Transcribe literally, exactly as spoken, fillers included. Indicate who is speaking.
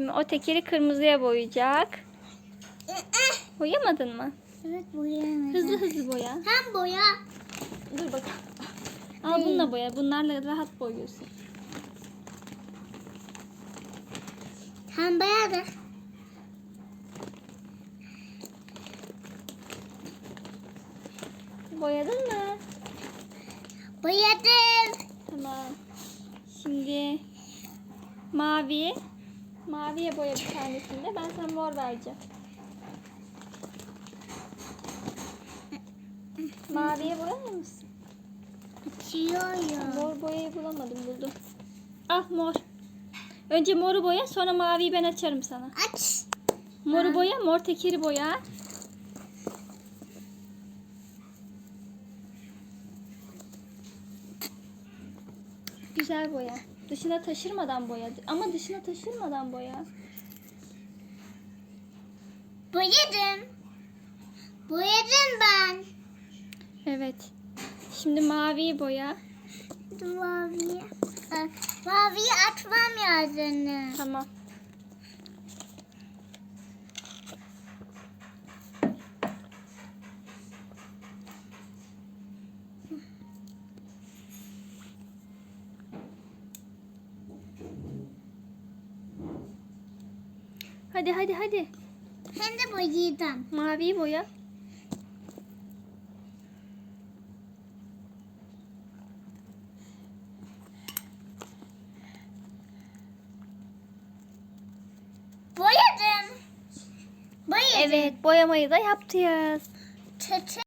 Speaker 1: Şimdi o tekeri kırmızıya boyayacak. Boyamadın mı?
Speaker 2: Evet, boyayamadım.
Speaker 1: Hızlı hızlı boya.
Speaker 2: Sen boya.
Speaker 1: Dur bakalım. Al bununla boya. Bunlarla rahat boyuyorsun.
Speaker 2: Sen boyadın.
Speaker 1: Boyadın mı?
Speaker 2: Boyadım.
Speaker 1: Tamam. Şimdi mavi. Maviye boya bir tanesinde. Ben sana mor vereceğim. Maviye boyar mısın?
Speaker 2: Bitiyor ya.
Speaker 1: Mor boyayı bulamadım, buldum. Ah, mor. Önce moru boya, sonra maviyi ben açarım sana.
Speaker 2: Aç.
Speaker 1: Moru boya, mor tekeri boya. Güzel boya. Dışına taşırmadan boya. Ama dışına taşırmadan boya.
Speaker 2: Boyadım. Boyadım ben.
Speaker 1: Evet. Şimdi maviyi boya.
Speaker 2: Maviyi. Maviyi açmam lazım.
Speaker 1: Tamam. Hadi hadi hadi.
Speaker 2: Hem de boyadım.
Speaker 1: Maviyi boya.
Speaker 2: Boyadım. Boyadım.
Speaker 1: Evet, boyamayı da yaptıyız.
Speaker 2: Tı tı.